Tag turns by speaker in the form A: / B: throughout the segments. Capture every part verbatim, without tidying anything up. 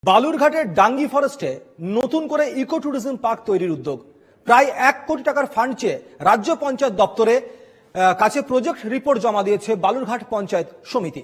A: বালুরঘাটের ডাঙ্গি ফরেস্টে নতুন করে eco tourism park তৈরির উদ্যোগ। প্রায় এক কোটি টাকার ফান্ড চেয়ে রাজ্য পঞ্চায়েত দপ্তরে কাছে প্রজেক্ট রিপোর্ট জমা দিয়েছে বালুরঘাট পঞ্চায়েত সমিতি।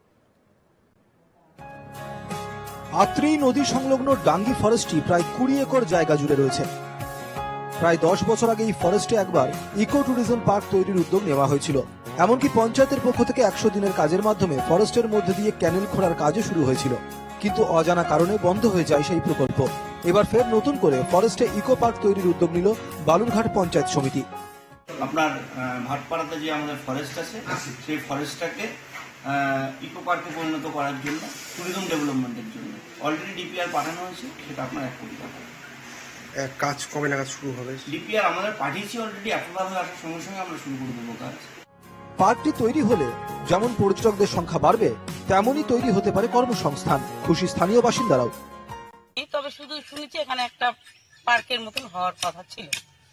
A: আত্রি নদী সংলগ্ন ডাঙ্গি ফরেস্টটি প্রায় কুড়ি একর জায়গা জুড়ে রয়েছে। প্রায় দশ বছর আগে এই ফরেস্টে একবার ইকো ট্যুরিজম পার্ক তৈরির উদ্যোগ নেওয়া হয়েছিল। এমনকি পঞ্চায়েতের পক্ষ থেকে একশো দিনের কাজের মাধ্যমে ফরেস্টের মধ্যে দিয়ে ক্যানেল খোঁড়ার কাজও শুরু হয়েছিল, কিন্তু অজানা কারণে বন্ধ হয়ে যায় সেই প্রকল্প। এবার ফের নতুন করে ফরেস্টে ইকো পার্ক তৈরির উদ্যোগ নিল বালুরঘাট পঞ্চায়েত সমিতি।
B: আপনার ভাটপাড়াতে যে আমাদের ফরেস্ট আছে সেই ফরেস্টটাকে ইকো পার্কে পরিণত করার জন্য, ট্যুরিজম ডেভেলপমেন্টের জন্য অলরেডি ডিপিআর পাঠানো হয়েছে। সেটা আপনার এক কোটি টাকা।
C: কাজ কবে নাগাদ শুরু হবে?
B: ডিপিআর আমাদের পাঠিয়েছি অলরেডি, অ্যাপ্রুভাল হয়ে আসার সঙ্গে সঙ্গে আমরা শুরু করে দেবো কাজ।
A: পার্কটি তৈরি হলে যেমন পর্যটকদের সংখ্যা বাড়বে, তেমনই তৈরি হতে পারে কর্মসংস্থান। খুশি স্থানীয় বাসিন্দারাও।
D: তবে শুধু শুনেছি এখানে একটা পার্কের মতন হওয়ার কথা ছিল।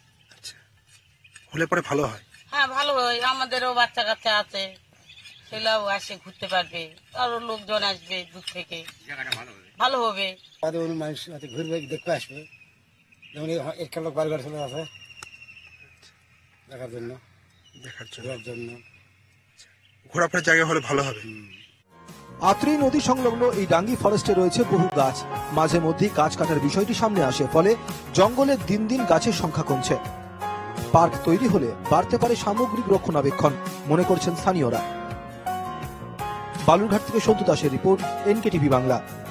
C: হলে পরে ভালো হয়।
D: হ্যাঁ, ভালো হয়। আমাদেরও বাচ্চা কাচ্চা আছে, সেটাও আসে ঘুরতে পারবে, আরো লোকজন আসবে দূর থেকে, ভালো হবে।
E: মানুষ ঘুরবে, দেখতে আসবে, যেমন একটা লোক বারবার চলে আসে দেখার জন্য
C: দেখার
E: ঘোরার জন্য।
C: ঘোরাফেরার জায়গা হলে ভালো হবে।
A: আত্রি নদী সংলগ্ন এই ডাঙ্গি ফরেস্টে রয়েছে বহু গাছ। মাঝে মধ্যেই গাছ কাটার বিষয়টি সামনে আসে, ফলে জঙ্গলে দিন দিন গাছের সংখ্যা কমছে। পার্ক তৈরি হলে বাড়তে পারে সামগ্রিক রক্ষণাবেক্ষণ, মনে করছেন স্থানীয়রা। বালুরঘাট থেকে সন্তু দাসের রিপোর্ট, এনকে টিভি বাংলা।